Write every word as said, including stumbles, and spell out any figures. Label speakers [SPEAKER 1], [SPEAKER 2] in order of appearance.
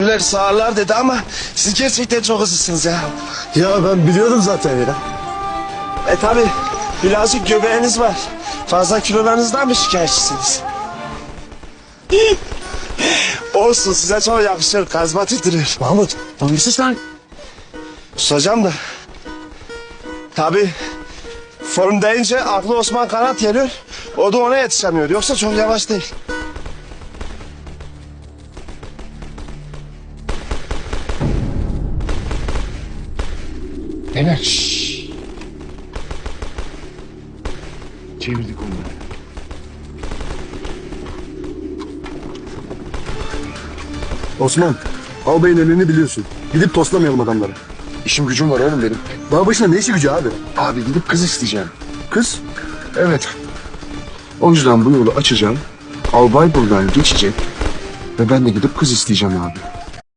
[SPEAKER 1] sağırlar dedi ama siz gerçekten çok hızlısınız ya.
[SPEAKER 2] Ya ben biliyordum zaten ya.
[SPEAKER 1] E tabi birazcık göbeğiniz var. Fazla kilolarınızdan mı şikayetçisiniz? Olsun, size çok yakışır, karizmatik duruyor.
[SPEAKER 2] Mahmut, hangisiz lan?
[SPEAKER 1] Susacağım da. Tabi form deyince aklı Osman Kanat geliyor. O da ona yetişemiyor. Yoksa çok yavaş değil.
[SPEAKER 3] Beyler şşş. Çevirdik onları.
[SPEAKER 2] Osman, albayın elini biliyorsun. Gidip toslamayalım adamları.
[SPEAKER 3] İşim gücüm var oğlum benim.
[SPEAKER 2] Dağ başına ne işi gücü abi?
[SPEAKER 3] Abi gidip kız isteyeceğim.
[SPEAKER 2] Kız?
[SPEAKER 3] Evet. O yüzden bu yolu açacağım. Albay buradan geçecek. Ve ben de gidip kız isteyeceğim abi.